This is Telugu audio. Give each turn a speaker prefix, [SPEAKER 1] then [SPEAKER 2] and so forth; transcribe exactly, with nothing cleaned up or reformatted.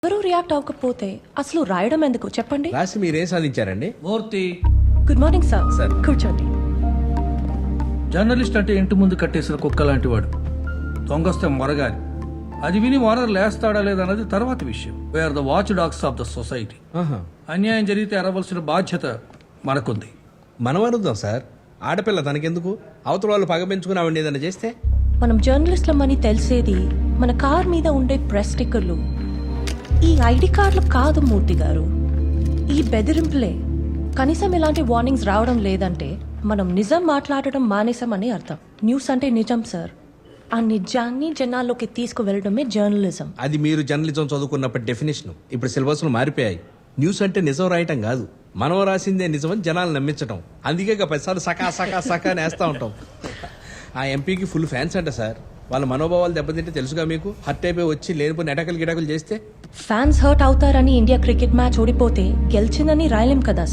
[SPEAKER 1] ఎవరు రియాక్ట్ అవ్వకపోతే అసలు రాయడం ఎందుకు చెప్పండి.
[SPEAKER 2] రాసి మీరేం సాధించారండి?
[SPEAKER 3] Murthy,
[SPEAKER 1] good morning sir.
[SPEAKER 2] Sir.
[SPEAKER 1] కూర్చోండి.
[SPEAKER 3] జర్నలిస్ట్ అంటే ఇంటి ముందు కట్టేసిన కుక్క లాంటి వాడు. దొంగస్తే మొరగాలి. అది విని ఓనర్ లేస్తాడా లేదన్నది తర్వాత విషయం. We are the watch dogs of the society.
[SPEAKER 2] ఆహా.
[SPEAKER 3] అన్యాయం జరిగితే ఎరవలసిన బాధ్యత మనకుంది.
[SPEAKER 2] మనం అరుద్దాం సార్. ఆడపిల్ల తనకెందుకు? అవతల వాళ్ళు పగ పెంచుకుని ఆవిడ ఏదైనా చేస్తే?
[SPEAKER 1] మనం జర్నలిస్ట్లమని తెలిసేది మన కార్ మీద ఉండే ప్రెస్ స్టిక్కర్లు, ఈ ఐడి కార్డులు కాదు మూర్తి గారు, ఈ బెదిరింపులే. కనీసం ఇలాంటి వార్నింగ్స్ రావడం లేదంటే మనం నిజం మాట్లాడటం మానేసామని అర్థం. న్యూస్ అంటే నిజం సార్. ఆ నిజాన్ని జనాల్లోకి తీసుకువెళ్ళడమే జర్నలిజం.
[SPEAKER 2] అది మీరు జర్నలిజం చదువుకున్నప్పటి డెఫినేషన్. ఇప్పుడు సిలబస్లు మారిపోయాయి. న్యూస్ అంటే నిజం రాయటం కాదు, మనం రాసిందే నిజమని జనాలు నమ్మించటం. అందుకే ఇక పదిసార్లు సకా సకా సకా నేస్తా ఉంటాం. ఆ ఎంపీకి ఫుల్ ఫ్యాన్స్ అంట సార్. వాళ్ళ మనోభావాలు దెబ్బతింటే తెలుసుగా మీకు. హర్ట్ అయిపోయి వచ్చి లేనిపోయిన ఎటకలు గిటకలు చేస్తే
[SPEAKER 1] ఫ్యాన్స్ హర్ట్ అవుతారని ఇండియా క్రికెట్ మ్యాచ్ ఓడిపోతే గెలిచిందని రాయలేం కదా